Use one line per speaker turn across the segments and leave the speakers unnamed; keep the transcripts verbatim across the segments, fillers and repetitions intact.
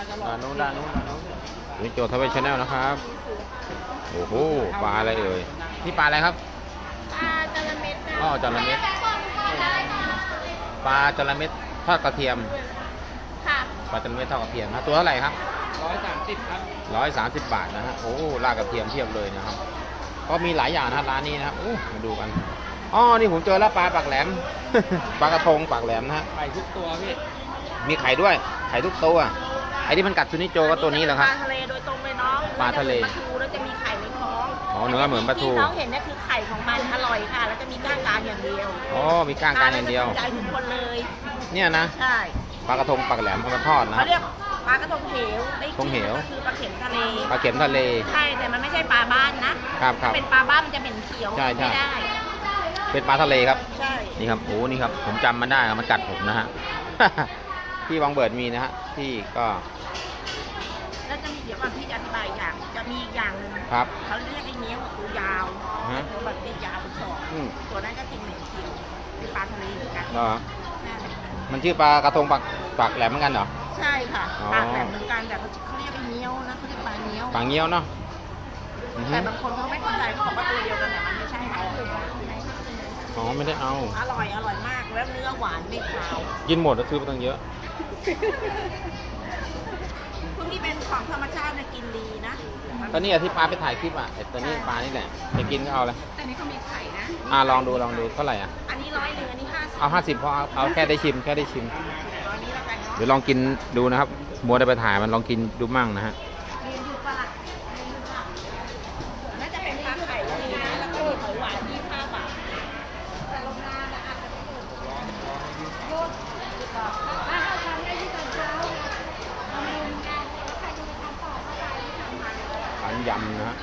ด้านนู้นด้านนู้นด้านนู้นนี่โจทวีชแนลนะครับโอ้โหปลาอะไรเอ่ยนี่ปลาอะไรครับ
ปลาจระเม็ด
อ๋อจระเม็ดปลาจระเม็ดทอดกระเทียม
ค่ะ
ปลาจระเม็ดทอดกระเทียมนะตัวเท่าไหร่ครับ
ร้อยสามสิบครับ
ร้อยสามสิบบาทนะฮะโอ้ลากกระเทียมเทียบเลยนะครับก็มีหลายอย่างนะร้านนี้นะครับโอ้มาดูกันอ๋อนี่ผมเจอแล้วปลาปากแหลม ปลากระทงปากแหลมนะฮะ
ไข่ทุกตัวพี่
มีไข่ด้วยไข่ทุกตัวไอ้ที่มันกัดซูนิโจก็ตัวนี้แหละครับ
ปลาทะเลโดยตรงเลยน้อง
ปลาทะเล
ปลาทูแล้วจะมีไข่ในท้อง
อ๋อเนื้อเหมือนปลาทู
ที่น้องเห็นนี่คือไข่ของมันอร่อยค่ะแล้วจะมีก้างกลางอย่างเดียว
อ๋อมีก้างกลางอย่างเดียว
ใจทุกคนเลย
เนี่ยนะ
ใช่
ปลากระทงปากแหลมเอามาทอดนะ
เขาเรียกปลากระทงเหวไอ้
ทงเหว
คือปลาเข็มทะเล
ปลาเข็มทะเล
ใช่แต่มันไม่ใช่ปลาบ้านนะครับถ้าเป็นปลาบ้านมันจะเป็นเขียว
ใช่ใช่
ไม่ได้
เป็นปลาทะเลครับ
ใช่
นี่ครับโอ้นี่ครับผมจำมันได้มันกัดผมนะฮะ ที่บางเบิดมีนะฮะที่ก็
แล้วจะมีเดี๋ยวก่อนพี่จะอธิบายอย่างจะมีอีกอย่างหนึ่ง
ครับ
เขาเรียกไอ้เนี้ยตัวยาวตัวแบบติดยาวเป็นศอกตัวนั้นก็กินเหม็นเขียวเป็นปลาทะเลเหมือนกัน
เหรอมันชื่อปลากระทงปากปากแหลมเหมือนกันเหรอ
ใช่ค่ะปลาแหลมเหมือนกันแต่เขาเรียกไอ้เนี้ยวนะเขาเรียกปลาเนี้ยว
ปลาเนี้ยวเนาะ
แต่บางคนเขาไม่เข้าใจเขาบอกว่าตัวเดียวกันแต่มันไม่ใช่ค่ะ
อ๋อไม่ได้เอา
อร่อยอร่อยมากแล้วเนื้อหวานไม่ขาว
กินหมดแล้วซื้อไปตั้งเยอะ
พวกนี้เป็นของธรรมชาตินะกินดีนะ
ตอนนี้ที่ปลาไปถ่ายคลิปอ่ะตอนนี้ปลานี่แหละไปกินก็เอาเลย
แต่นี้เขามีไข่นะ
อ่าลองดูลองดูเท่าไหร่อ่ะ
อันนี้ร้อยหนึ่งอันนี้ห้าสิบ
เอาห้าสิบพอเอาแค่ได้ชิมแค่ได้ชิมเดี๋ยวลองกินดูนะครับมัวได้ไปถ่ายมันลองกินดูมั่งนะฮะ
น่าจะเป็นปลาไข่ที่นะแล้วก็มีหอยหวานยี่สิบห้าบาทแต่ลงน้ำนะอาจจะ
ขันยำนะฮะ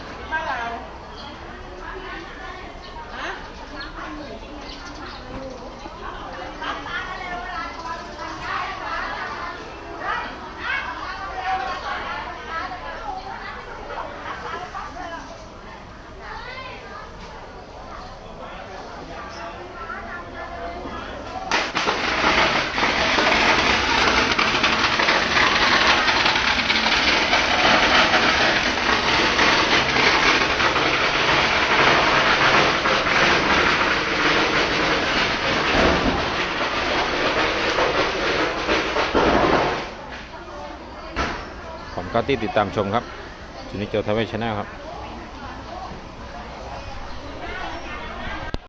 ผมก็ติดตามชมครับจูนิโจทวีชแนลครับ